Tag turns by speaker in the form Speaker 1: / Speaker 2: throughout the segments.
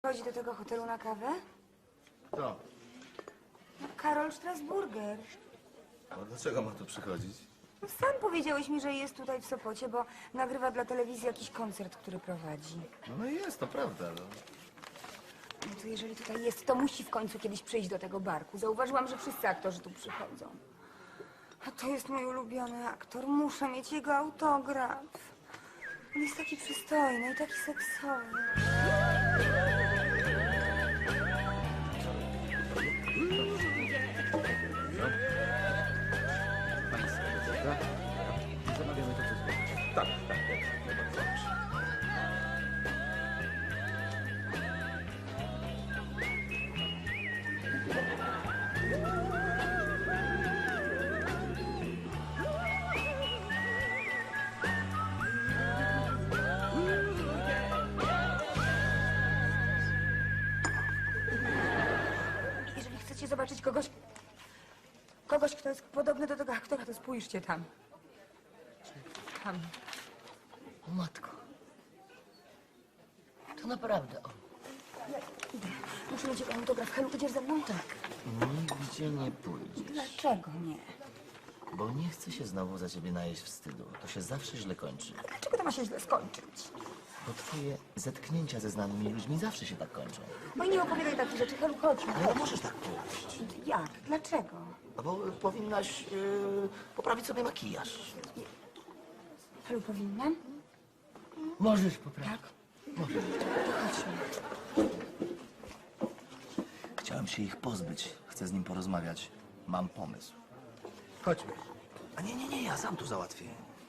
Speaker 1: Chodzi do tego hotelu na kawę?
Speaker 2: To.
Speaker 1: No, Karol Strasburger.
Speaker 2: A dlaczego ma tu przychodzić?
Speaker 1: No, sam powiedziałeś mi, że jest tutaj w Sopocie, bo nagrywa dla telewizji jakiś koncert, który prowadzi.
Speaker 2: No i jest, to prawda. No.
Speaker 1: No to jeżeli tutaj jest, to musi w końcu kiedyś przyjść do tego barku. Zauważyłam, że wszyscy aktorzy tu przychodzą. A to jest mój ulubiony aktor. Muszę mieć jego autograf. On jest taki przystojny i taki seksowny.
Speaker 2: Zamawiamy to, co zgodnie. Tak, tak. Bardzo proszę.
Speaker 1: Jeżeli chcecie zobaczyć kogoś, kto jest podobny do tego aktora, to spójrzcie tam. Tam.
Speaker 3: O matko. To naprawdę on.
Speaker 1: Idę. Muszę mieć jego autograf. Helu, idziesz ze mną? Tak.
Speaker 3: Nigdzie nie pójdziesz.
Speaker 1: Dlaczego nie?
Speaker 3: Bo nie chcę się znowu za ciebie najeść wstydu. To się zawsze źle kończy.
Speaker 1: Dlaczego to ma się źle skończyć?
Speaker 3: Bo twoje zetknięcia ze znanymi ludźmi zawsze się tak kończą.
Speaker 1: No i nie opowiadaj takich rzeczy. Helu, chodźmy.
Speaker 3: Ale możesz tak pójść.
Speaker 1: Jak? Dlaczego?
Speaker 3: No bo powinnaś poprawić sobie makijaż.
Speaker 1: Helu, powinnam?
Speaker 3: Możesz poprawić.
Speaker 1: Tak? Możesz. Chodźmy.
Speaker 3: Chciałem się ich pozbyć. Chcę z nim porozmawiać. Mam pomysł.
Speaker 2: Chodźmy.
Speaker 3: A nie, ja sam tu załatwię.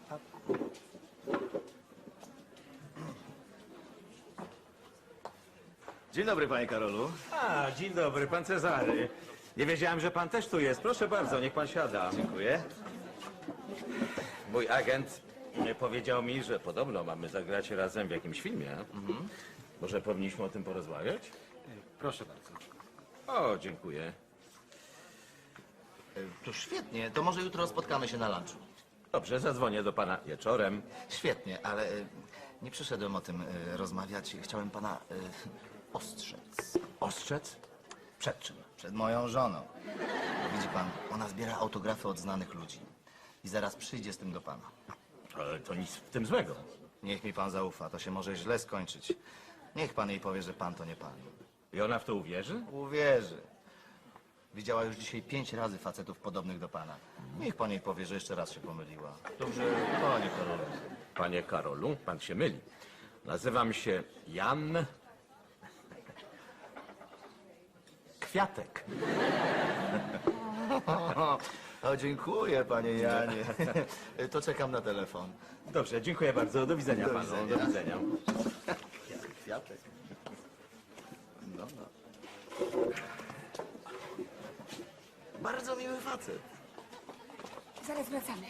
Speaker 4: Dzień dobry, panie Karolu.
Speaker 5: A, dzień dobry, pan Cezary. Nie wiedziałem, że pan też tu jest. Proszę bardzo, niech pan siada.
Speaker 4: Dziękuję. Mój agent powiedział mi, że podobno mamy zagrać razem w jakimś filmie. Może powinniśmy o tym porozmawiać?
Speaker 2: Proszę bardzo.
Speaker 4: O, dziękuję.
Speaker 3: To świetnie. To może jutro spotkamy się na lunchu.
Speaker 4: Dobrze, zadzwonię do pana wieczorem.
Speaker 3: Świetnie, ale nie przyszedłem o tym rozmawiać. Chciałem pana ostrzec.
Speaker 4: Ostrzec? Przed czym?
Speaker 3: Przed moją żoną. Widzi pan, ona zbiera autografy od znanych ludzi. I zaraz przyjdzie z tym do pana.
Speaker 4: Ale to nic w tym złego.
Speaker 3: Niech mi pan zaufa, to się może źle skończyć. Niech pan jej powie, że pan to nie pan.
Speaker 4: I ona w to uwierzy?
Speaker 3: Uwierzy. Widziała już dzisiaj 5 razy facetów podobnych do pana. Niech pan jej powie, że jeszcze raz się pomyliła.
Speaker 4: Dobrze, panie Karolu. Panie Karolu, pan się myli. Nazywam się Jan Kwiatek.
Speaker 3: O, dziękuję, panie Janie. To czekam na telefon.
Speaker 4: Dobrze, dziękuję bardzo. Do widzenia
Speaker 3: Do
Speaker 4: panu.
Speaker 3: widzenia.
Speaker 4: Do widzenia.
Speaker 3: Kwiatek. No. Bardzo miły facet.
Speaker 1: Zaraz wracamy.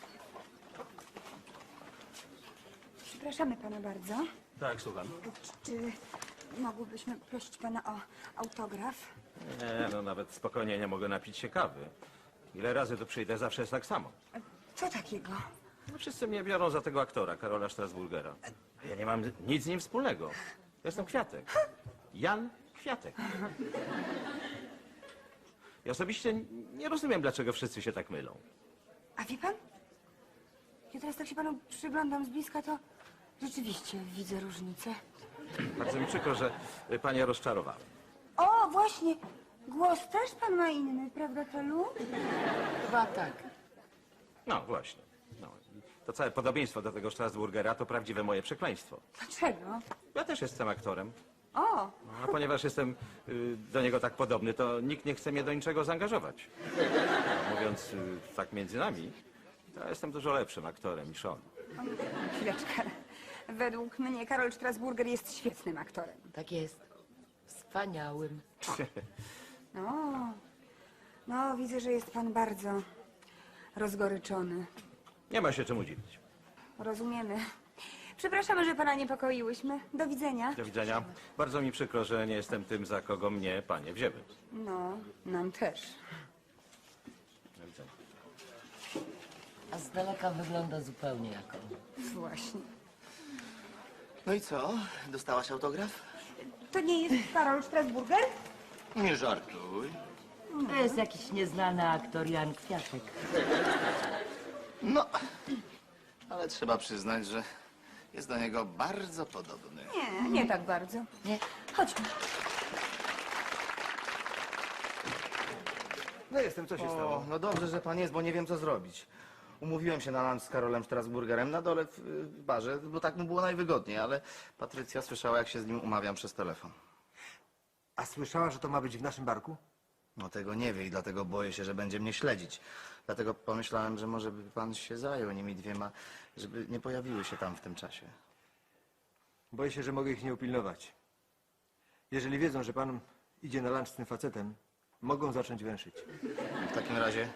Speaker 1: Przepraszamy pana bardzo.
Speaker 4: Tak, słucham.
Speaker 1: Czy mogłybyśmy prosić pana o autograf?
Speaker 4: Nie, no nawet spokojnie nie mogę napić się kawy. Ile razy tu przyjdę, zawsze jest tak samo.
Speaker 1: Co takiego?
Speaker 4: No, wszyscy mnie biorą za tego aktora, Karola Strasburgera. A ja nie mam nic z nim wspólnego. Jestem Kwiatek. Jan Kwiatek. Ja osobiście nie rozumiem, dlaczego wszyscy się tak mylą.
Speaker 1: A wie pan? Ja teraz tak się panu przyglądam z bliska, to rzeczywiście widzę różnicę.
Speaker 4: Bardzo mi przykro, że panie rozczarowałem.
Speaker 1: O, właśnie! Głos też pan ma inny, prawda, Helu?
Speaker 3: Chyba tak.
Speaker 4: No właśnie. No. To całe podobieństwo do tego Strasburgera to prawdziwe moje przekleństwo.
Speaker 1: Dlaczego?
Speaker 4: Ja też jestem aktorem.
Speaker 1: O,
Speaker 4: No, a ponieważ jestem do niego tak podobny, to nikt nie chce mnie do niczego zaangażować. Mówiąc tak między nami, to ja jestem dużo lepszym aktorem niż on.
Speaker 1: chwileczkę. Według mnie Karol Strasburger jest świetnym aktorem.
Speaker 6: Tak jest. Wspaniałym.
Speaker 1: No, widzę, że jest pan bardzo rozgoryczony.
Speaker 4: Nie ma się czemu dziwić.
Speaker 1: Rozumiemy. Przepraszamy, że pana niepokoiłyśmy. Do widzenia.
Speaker 4: Do widzenia. Bardzo mi przykro, że nie jestem tym, za kogo mnie panie wzięły.
Speaker 1: No, nam też.
Speaker 4: Do widzenia.
Speaker 6: A z daleka wygląda zupełnie jak on.
Speaker 1: Właśnie.
Speaker 3: No i co? Dostałaś autograf?
Speaker 1: To nie jest Karol Strasburger?
Speaker 3: Nie żartuj.
Speaker 6: To jest jakiś nieznany aktor Jan Kwiatek.
Speaker 3: No, ale trzeba przyznać, że jest do niego bardzo podobny.
Speaker 1: Nie tak bardzo.
Speaker 6: Nie?
Speaker 1: Chodźmy.
Speaker 5: No jestem, co się stało?
Speaker 3: No dobrze, że pan jest, bo nie wiem, co zrobić. Umówiłem się na lunch z Karolem Strasburgerem na dole w barze, bo tak mu było najwygodniej, ale Patrycja słyszała, jak się z nim umawiam przez telefon.
Speaker 5: A słyszała, że to ma być w naszym barku?
Speaker 3: No tego nie wie i dlatego boję się, że będzie mnie śledzić. Dlatego pomyślałem, że może by pan się zajął nimi dwiema, żeby nie pojawiły się tam w tym czasie.
Speaker 5: Boję się, że mogę ich nie upilnować. Jeżeli wiedzą, że pan idzie na lunch z tym facetem, mogą zacząć węszyć.
Speaker 3: W takim razie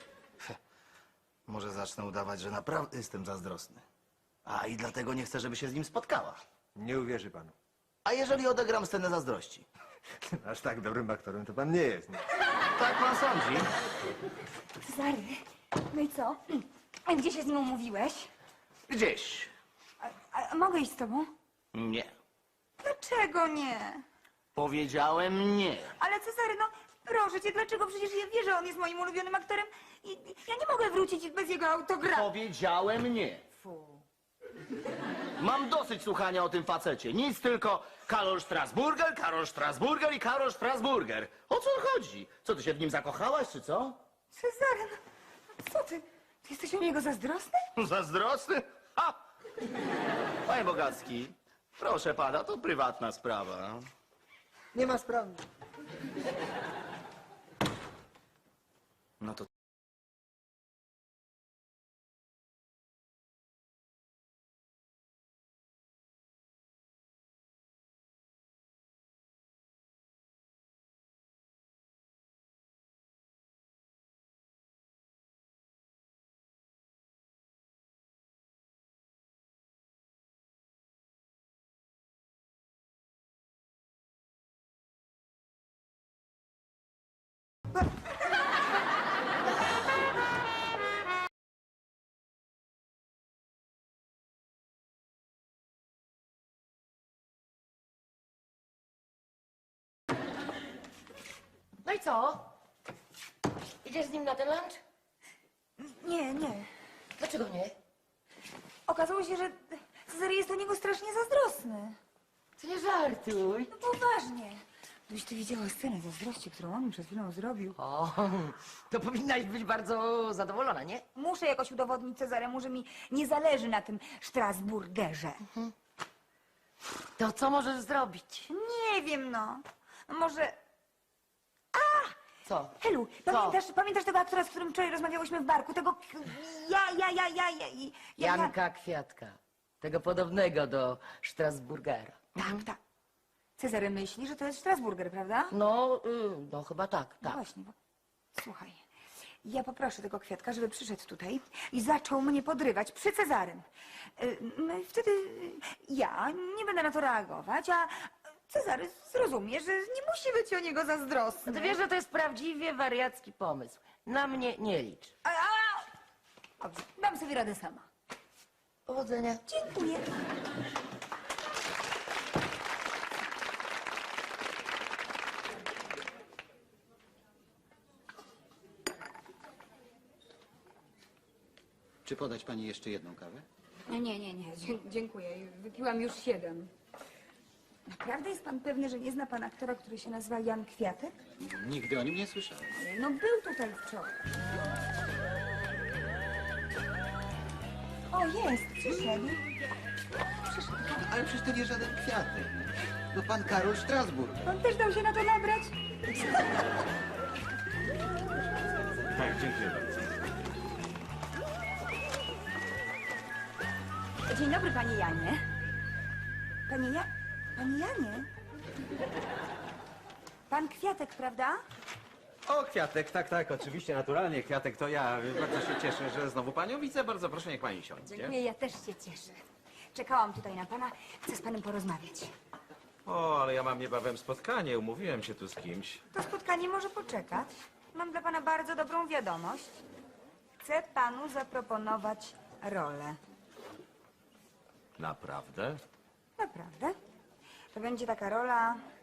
Speaker 3: może zacznę udawać, że naprawdę jestem zazdrosny. A i dlatego nie chcę, żeby się z nim spotkała.
Speaker 5: Nie uwierzy panu.
Speaker 3: A jeżeli odegram scenę zazdrości?
Speaker 5: Aż tak dobrym aktorem to pan nie jest. Nie?
Speaker 3: Tak pan sądzi?
Speaker 1: Cezary, no i co? A gdzie się z nim umówiłeś?
Speaker 3: Gdzieś.
Speaker 1: A mogę iść z tobą?
Speaker 3: Nie.
Speaker 1: Dlaczego nie?
Speaker 3: Powiedziałem nie.
Speaker 1: Ale Cezary, no proszę cię, dlaczego? Przecież ja wierzę, że on jest moim ulubionym aktorem i ja nie mogę wrócić bez jego autografu.
Speaker 3: Powiedziałem nie.
Speaker 1: Fu.
Speaker 3: Mam dosyć słuchania o tym facecie. Nic tylko Karol Strasburger, Karol Strasburger i Karol Strasburger. O co chodzi? Co, ty się w nim zakochałaś, czy co?
Speaker 1: Cezary, no co ty? Ty jesteś o niego zazdrosny?
Speaker 3: Zazdrosny? Ha! Panie Bogacki, proszę pana, to prywatna sprawa.
Speaker 6: Nie ma sprawy.
Speaker 3: No to...
Speaker 6: No i co? Idziesz z nim na ten lunch?
Speaker 1: Nie, nie.
Speaker 6: Dlaczego nie?
Speaker 1: Okazało się, że Cezary jest o niego strasznie zazdrosny.
Speaker 6: Ty nie żartuj.
Speaker 1: No poważnie. Gdybyś ty widziała scenę zazdrości, którą on mi przed chwilą zrobił.
Speaker 6: O, to powinnaś być bardzo zadowolona, nie?
Speaker 1: Muszę jakoś udowodnić Cezaremu, że mi nie zależy na tym Strasburgerze.
Speaker 6: To co możesz zrobić?
Speaker 1: Nie wiem, no. Może...
Speaker 6: Co?
Speaker 1: Helu, pamiętasz tego aktora, z którym wczoraj rozmawiałyśmy w barku? Tego...
Speaker 6: Janka Kwiatka. Tego podobnego do Strasburgera.
Speaker 1: Tak, tak. Cezary myśli, że to jest Strasburger, prawda?
Speaker 6: No chyba tak,
Speaker 1: No
Speaker 6: tak.
Speaker 1: właśnie, bo... Słuchaj, ja poproszę tego Kwiatka, żeby przyszedł tutaj i zaczął mnie podrywać przy Cezarym. No i wtedy ja nie będę na to reagować, a Cezary zrozumie, że nie musi być o niego zazdrosny.
Speaker 6: No ty wiesz, że to jest prawdziwie wariacki pomysł. Na mnie nie licz.
Speaker 1: Dobrze, dam sobie radę sama.
Speaker 6: Powodzenia.
Speaker 1: Dziękuję.
Speaker 7: Czy podać pani jeszcze jedną kawę?
Speaker 1: Nie. Dziękuję. Wypiłam już 7. Naprawdę jest pan pewny, że nie zna pan aktora, który się nazywa Jan Kwiatek?
Speaker 7: Nigdy o nim nie słyszałem.
Speaker 1: No był tutaj wczoraj. O, jest, przyszedł.
Speaker 7: Ale przecież to nie żaden kwiatek. To pan Karol Strasburg.
Speaker 1: On też dał się na to nabrać.
Speaker 4: Tak, dziękuję bardzo.
Speaker 1: Dzień dobry, panie Janie. Panie Janie? Pan Kwiatek, prawda?
Speaker 4: O, Kwiatek, tak, oczywiście, naturalnie, Kwiatek to ja. Bardzo się cieszę, że znowu panią widzę. Bardzo proszę, niech pani siądzie.
Speaker 1: Dziękuję, ja też się cieszę. Czekałam tutaj na pana. Chcę z panem porozmawiać.
Speaker 4: O, ale ja mam niebawem spotkanie, umówiłem się tu z kimś.
Speaker 1: To spotkanie może poczekać. Mam dla pana bardzo dobrą wiadomość. Chcę panu zaproponować rolę.
Speaker 4: Naprawdę?
Speaker 1: Naprawdę? To będzie taka rola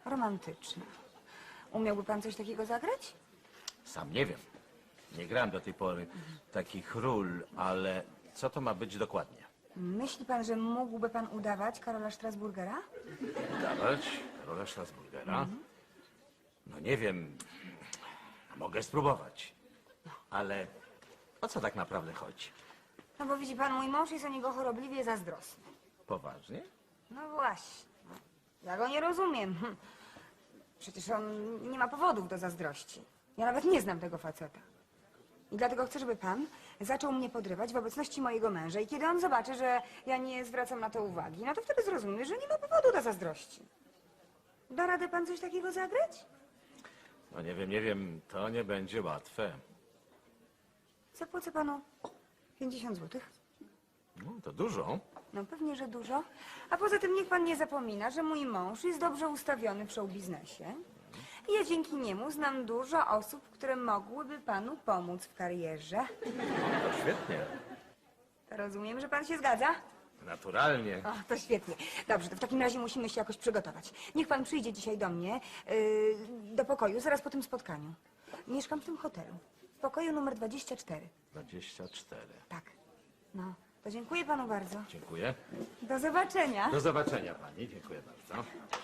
Speaker 1: romantyczna. Umiałby pan coś takiego zagrać?
Speaker 4: Sam nie wiem. Nie grałem do tej pory takich ról, ale co to ma być dokładnie?
Speaker 1: Myśli pan, że mógłby pan udawać Karola Strasburgera?
Speaker 4: Dawać rolę Strasburgera? No nie wiem. Mogę spróbować. Ale o co tak naprawdę chodzi?
Speaker 1: No bo widzi pan, mój mąż jest o niego chorobliwie zazdrosny.
Speaker 4: Poważnie?
Speaker 1: No właśnie. Ja go nie rozumiem. Przecież on nie ma powodów do zazdrości. Ja nawet nie znam tego faceta. I dlatego chcę, żeby pan zaczął mnie podrywać w obecności mojego męża. I kiedy on zobaczy, że ja nie zwracam na to uwagi, no to wtedy zrozumie, że nie ma powodu do zazdrości. Da radę pan coś takiego zagrać?
Speaker 4: No nie wiem. To nie będzie łatwe.
Speaker 1: Zapłacę panu 50 złotych.
Speaker 4: No, to dużo.
Speaker 1: No pewnie, że dużo. A poza tym niech pan nie zapomina, że mój mąż jest dobrze ustawiony w show biznesie. I ja dzięki niemu znam dużo osób, które mogłyby panu pomóc w karierze.
Speaker 4: To świetnie.
Speaker 1: To rozumiem, że pan się zgadza?
Speaker 4: Naturalnie.
Speaker 1: O, to świetnie. Dobrze, to w takim razie musimy się jakoś przygotować. Niech pan przyjdzie dzisiaj do mnie, do pokoju, zaraz po tym spotkaniu. Mieszkam w tym hotelu. W pokoju numer 24.
Speaker 4: 24.
Speaker 1: Tak. No, to dziękuję panu bardzo.
Speaker 4: Dziękuję.
Speaker 1: Do zobaczenia.
Speaker 4: Do zobaczenia pani. Dziękuję bardzo.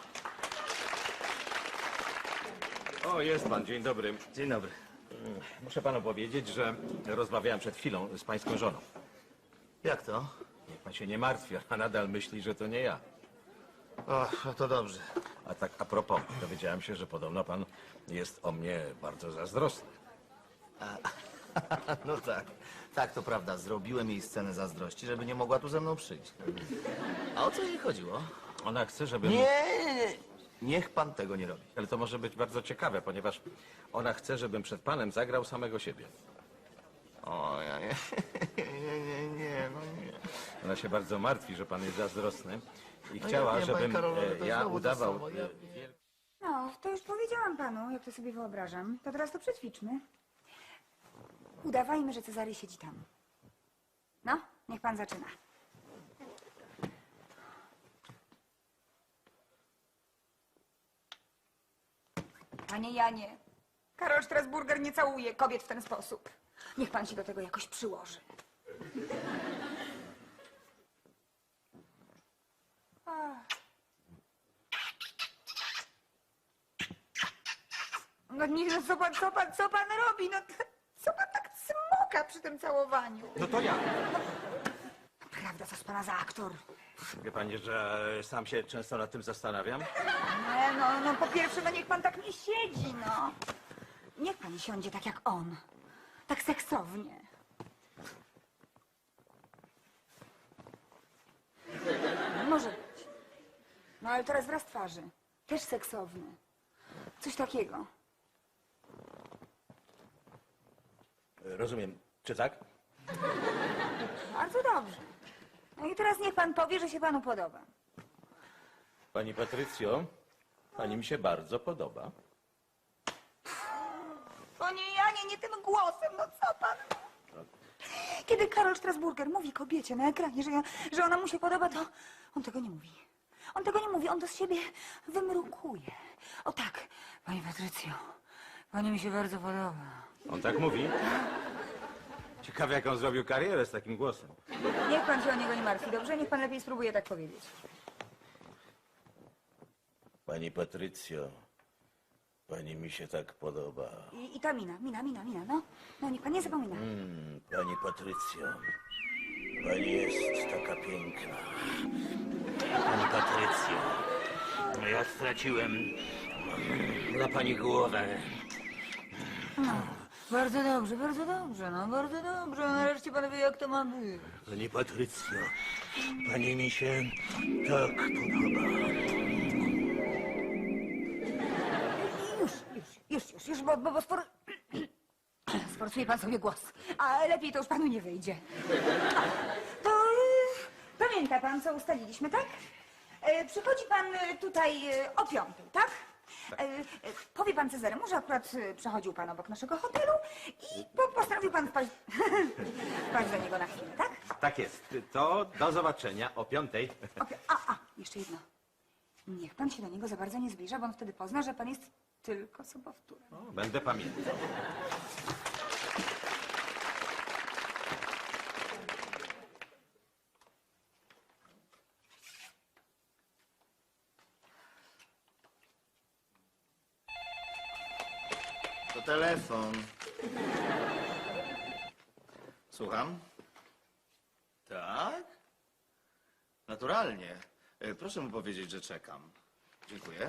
Speaker 4: O, jest pan. Dzień dobry.
Speaker 3: Dzień dobry.
Speaker 4: Muszę panu powiedzieć, że rozmawiałem przed chwilą z pańską żoną.
Speaker 3: Jak to?
Speaker 4: Niech pan się nie martwi, a nadal myśli, że to nie ja.
Speaker 3: O, no to dobrze.
Speaker 4: A tak a propos, dowiedziałem się, że podobno pan jest o mnie bardzo zazdrosny.
Speaker 3: No tak. Tak, to prawda. Zrobiłem jej scenę zazdrości, żeby nie mogła tu ze mną przyjść. A o co jej chodziło?
Speaker 4: Ona chce, żebym...
Speaker 3: Nie. Niech pan tego nie robi.
Speaker 4: Ale to może być bardzo ciekawe, ponieważ ona chce, żebym przed panem zagrał samego siebie.
Speaker 3: O, ja nie. Nie, no nie.
Speaker 4: Ona się bardzo martwi, że pan jest zazdrosny i
Speaker 3: No
Speaker 4: chciała,
Speaker 3: ja wiem, panie
Speaker 4: żebym
Speaker 3: Karolu, ale to
Speaker 4: ja
Speaker 3: znowu to
Speaker 4: udawał...
Speaker 3: samo. Ja-
Speaker 1: No, to już powiedziałam panu, jak to sobie wyobrażam. To teraz to przećwiczmy. Udawajmy, że Cezary siedzi tam. No, niech pan zaczyna. Panie Janie, Karol Strasburger nie całuje kobiet w ten sposób. Niech pan się do tego jakoś przyłoży. No nie, no co pan robi? No co pan tak smoka przy tym całowaniu?
Speaker 4: No to ja.
Speaker 1: Prawda, co z pana za aktor?
Speaker 4: Wie pani, że sam się często nad tym zastanawiam?
Speaker 1: Nie, no po pierwsze, no niech pan tak nie siedzi, no. Niech pan siądzie tak jak on. Tak seksownie. Może być. No ale teraz wraz twarzy. Też seksowny. Coś takiego.
Speaker 4: Rozumiem. Czy tak?
Speaker 1: Bardzo dobrze. No i teraz niech pan powie, że się panu podoba.
Speaker 4: Pani Patrycjo, pani mi się bardzo podoba.
Speaker 1: Panie Janie, nie tym głosem, no co pan? Kiedy Karol Strasburger mówi kobiecie na ekranie, że ona mu się podoba, to on tego nie mówi. On tego nie mówi, on to z siebie wymrukuje. O tak, pani Patrycjo, pani mi się bardzo podoba.
Speaker 4: On tak mówi? Ciekawe, jak on zrobił karierę z takim głosem.
Speaker 1: Niech pan się o niego nie martwi, dobrze? Niech pan lepiej spróbuje tak powiedzieć.
Speaker 8: Pani Patrycjo, pani mi się tak podoba.
Speaker 1: I ta mina, no. No, niech pan nie zapomina.
Speaker 8: Pani Patrycjo, pani jest taka piękna. Pani Patrycjo, ja straciłem na pani głowę.
Speaker 1: Bardzo dobrze, no bardzo dobrze. Nareszcie pan wie, jak to ma być.
Speaker 8: Pani Patrycjo, pani mi się tak podoba.
Speaker 1: Już, bo sforcuje pan sobie głos. A lepiej to już panu nie wyjdzie. To pamięta pan, co ustaliliśmy, tak? Przychodzi pan tutaj o 5:00, tak? Powie pan Cezaremu, że akurat przechodził pan obok naszego hotelu i postanowił pan wpaść, wpaść do niego na chwilę, tak?
Speaker 4: Tak jest. To do zobaczenia o 5:00.
Speaker 1: Jeszcze jedno. Niech pan się do niego za bardzo nie zbliża, bo on wtedy pozna, że pan jest tylko sobowtórem.
Speaker 4: O, będę pamiętał.
Speaker 3: To telefon. Słucham? Tak? Naturalnie. Proszę mu powiedzieć, że czekam. Dziękuję.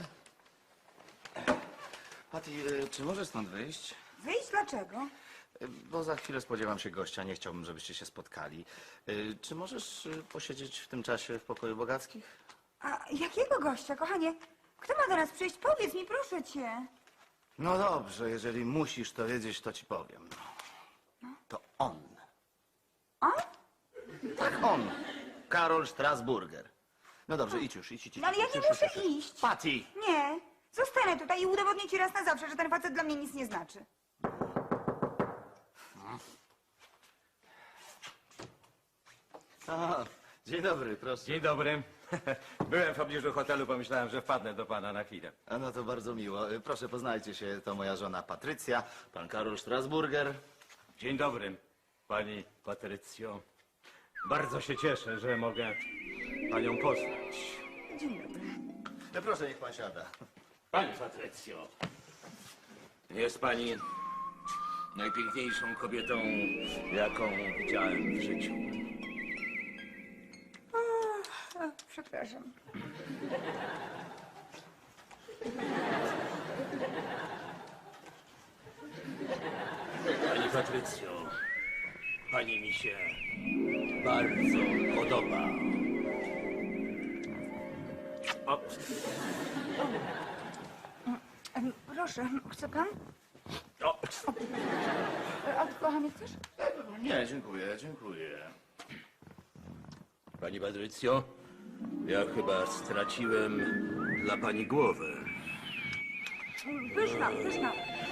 Speaker 3: Patty, czy możesz stąd wyjść?
Speaker 1: Wyjść dlaczego?
Speaker 3: Bo za chwilę spodziewam się gościa, nie chciałbym, żebyście się spotkali. Czy możesz posiedzieć w tym czasie w pokoju Bogackich?
Speaker 1: A jakiego gościa, kochanie? Kto ma do nas przyjść? Powiedz mi, proszę cię.
Speaker 3: No dobrze, jeżeli musisz to wiedzieć, to ci powiem. To on.
Speaker 1: On?
Speaker 3: Tak, on. Karol Strasburger. No dobrze, idź już, idź.
Speaker 1: No ale ja nie muszę iść.
Speaker 3: Patty!
Speaker 1: Nie. Zostanę tutaj i udowodnię ci raz na zawsze, że ten facet dla mnie nic nie znaczy.
Speaker 3: A, dzień dobry, proszę.
Speaker 4: Dzień dobry. Byłem w pobliżu hotelu, pomyślałem, że wpadnę do pana na chwilę.
Speaker 3: A no to bardzo miło. Proszę, poznajcie się, to moja żona Patrycja, pan Karol Strasburger.
Speaker 4: Dzień dobry, pani Patrycjo. Bardzo się cieszę, że mogę panią poznać.
Speaker 1: Dzień dobry.
Speaker 3: No proszę, niech pan siada.
Speaker 8: Pani Patrycjo, jest pani najpiękniejszą kobietą, jaką widziałem w życiu.
Speaker 1: O, przepraszam.
Speaker 8: Pani Patrycjo, pani mi się bardzo podoba. O,
Speaker 1: Proszę, chce pan?
Speaker 8: o,
Speaker 1: A kochanie, chcesz?
Speaker 3: Nie, dziękuję, dziękuję.
Speaker 8: pani Patrycjo, ja chyba straciłem dla pani głowę.
Speaker 1: Pyszna, pyszna.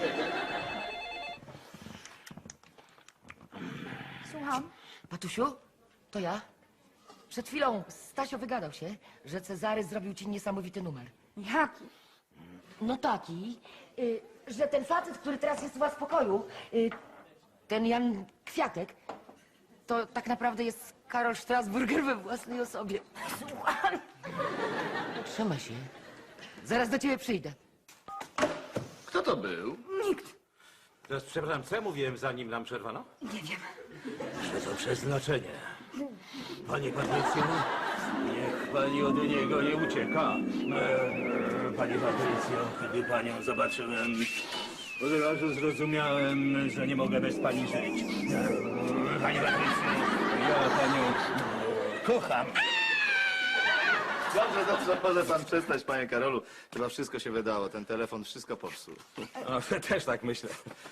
Speaker 1: Słucham.
Speaker 6: Patusiu, to ja. Przed chwilą Stasio wygadał się, że Cezary zrobił ci niesamowity numer.
Speaker 1: Jaki?
Speaker 6: No taki, że ten facet, który teraz jest u was w pokoju, ten Jan Kwiatek, to tak naprawdę jest Karol Strasburger we własnej osobie.
Speaker 1: Słucham.
Speaker 6: Trzymaj się. Zaraz do ciebie przyjdę.
Speaker 3: Kto to był?
Speaker 1: Nikt.
Speaker 4: Teraz, przepraszam, co ja mówiłem, zanim nam przerwano?
Speaker 1: Nie wiem.
Speaker 8: Że to przeznaczenie. Pani Patrycjo, niech pani od niego nie ucieka. Pani Patrycjo, kiedy panią zobaczyłem, od razu zrozumiałem, że nie mogę bez pani żyć. Pani Patrycjo, ja panią kocham.
Speaker 3: Dobrze, dobrze, może pan przestać, panie Karolu. Chyba wszystko się wydało, ten telefon wszystko popsuł.
Speaker 4: O, też tak myślę.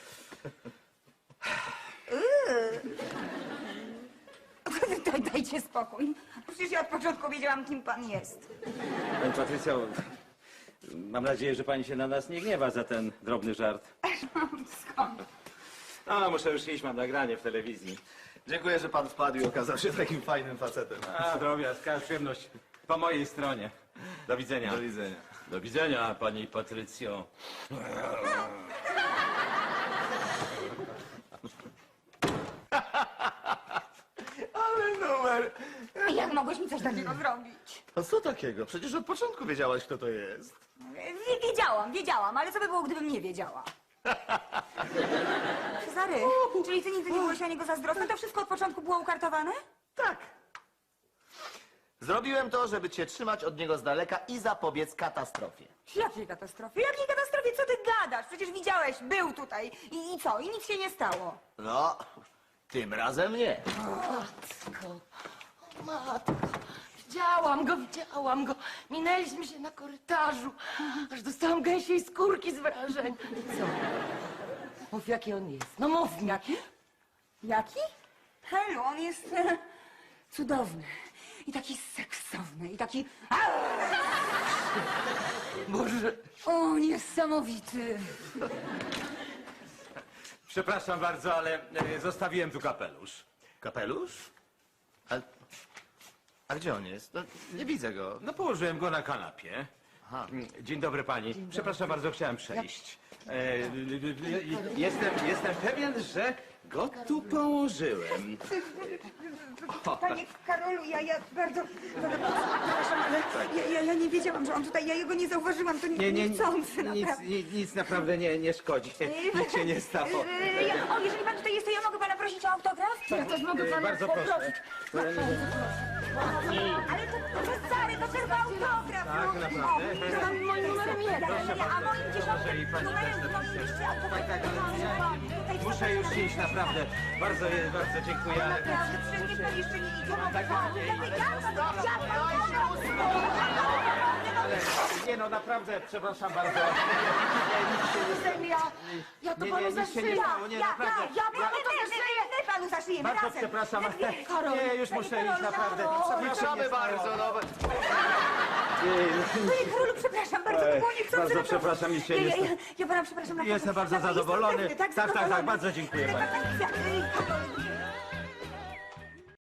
Speaker 1: Dajcie spokój. Przecież ja od początku wiedziałam, kim pan jest.
Speaker 4: Pani Patrycjo, mam nadzieję, że pani się na nas nie gniewa za ten drobny żart.
Speaker 1: Skąd?
Speaker 4: No, muszę już iść, mam nagranie w telewizji.
Speaker 3: Dziękuję, że pan wpadł i okazał się takim fajnym facetem.
Speaker 4: A, drobiazg, przyjemność po mojej stronie. Do widzenia.
Speaker 3: Do widzenia.
Speaker 8: Do widzenia, pani Patrycjo.
Speaker 3: Ale numer!
Speaker 1: Jak mogłeś mi coś takiego zrobić?
Speaker 3: A co takiego? Przecież od początku wiedziałaś, kto to jest.
Speaker 1: Wiedziałam, ale co by było, gdybym nie wiedziała? Cezary, czyli ty nigdy nie byłeś o niego zazdrosny? To wszystko od początku było ukartowane?
Speaker 3: Tak. Zrobiłem to, żeby cię trzymać od niego z daleka i zapobiec katastrofie.
Speaker 1: Jakiej katastrofie? Jakiej katastrofie? Co ty gadasz? Przecież widziałeś, był tutaj. I co? I nic się nie stało.
Speaker 3: No, tym razem nie.
Speaker 6: Matko, matko, widziałam go. Minęliśmy się na korytarzu, aż dostałam gęsiej skórki z wrażenia. Co? Mów, jaki on jest. No mów mi.
Speaker 1: Jaki? Jaki? Helu, on jest cudowny. I taki seksowny. I taki...
Speaker 6: Boże.
Speaker 1: O, niesamowity.
Speaker 4: Przepraszam bardzo, ale zostawiłem tu kapelusz.
Speaker 3: Kapelusz? A gdzie on jest? No, nie widzę go.
Speaker 4: No, położyłem go na kanapie.
Speaker 3: Aha.
Speaker 4: Dzień dobry pani. Przepraszam bardzo, chciałem przejść. Jestem pewien, że go tu położyłem.
Speaker 1: Panie Karolu, ja bardzo przepraszam, ale ja nie wiedziałam, że on tutaj, ja jego nie zauważyłam, to niechcący, naprawdę.
Speaker 4: Nic naprawdę nie szkodzi. Nic się nie stało.
Speaker 1: O, jeżeli pan tutaj jest, to ja mogę pana prosić o autograf?
Speaker 6: Ja też mogę pana
Speaker 4: Bardzo proszę.
Speaker 6: poprosić.
Speaker 1: Ale to Cezary, to tylko autograf.
Speaker 4: Tak, naprawdę?
Speaker 1: To mam moim numerem 1. A moim
Speaker 4: Proszę, i
Speaker 1: 10
Speaker 4: pani
Speaker 1: numerem
Speaker 4: też
Speaker 1: moim
Speaker 4: napisać.
Speaker 1: liście autograf.
Speaker 4: Muszę już iść, naprawdę. Bardzo dziękuję. ale-
Speaker 1: Naprawdę, przecież niech pan jeszcze nie idzie.
Speaker 4: Ale nie no, naprawdę, przepraszam bardzo.
Speaker 6: Ja to
Speaker 4: Nie,
Speaker 6: panu
Speaker 4: nic się nie
Speaker 6: zaszyję.
Speaker 4: stało, nie, naprawdę.
Speaker 1: My panu zaszyjemy
Speaker 4: Bardzo
Speaker 1: razem.
Speaker 4: przepraszam, ale
Speaker 6: Karol.
Speaker 4: nie, już muszę iść, naprawdę.
Speaker 3: Przepraszamy bardzo, no.
Speaker 1: Panie Karolu, przepraszam bardzo, to było niechcący.
Speaker 4: Bardzo
Speaker 1: naprawdę.
Speaker 4: przepraszam, nic się nie stało.
Speaker 1: Ja pana przepraszam. naprawdę.
Speaker 4: Jestem bardzo
Speaker 1: Naprawdę,
Speaker 4: zadowolony.
Speaker 1: jestem pewny,
Speaker 4: Tak,
Speaker 1: zadowolony.
Speaker 4: bardzo dziękuję pani.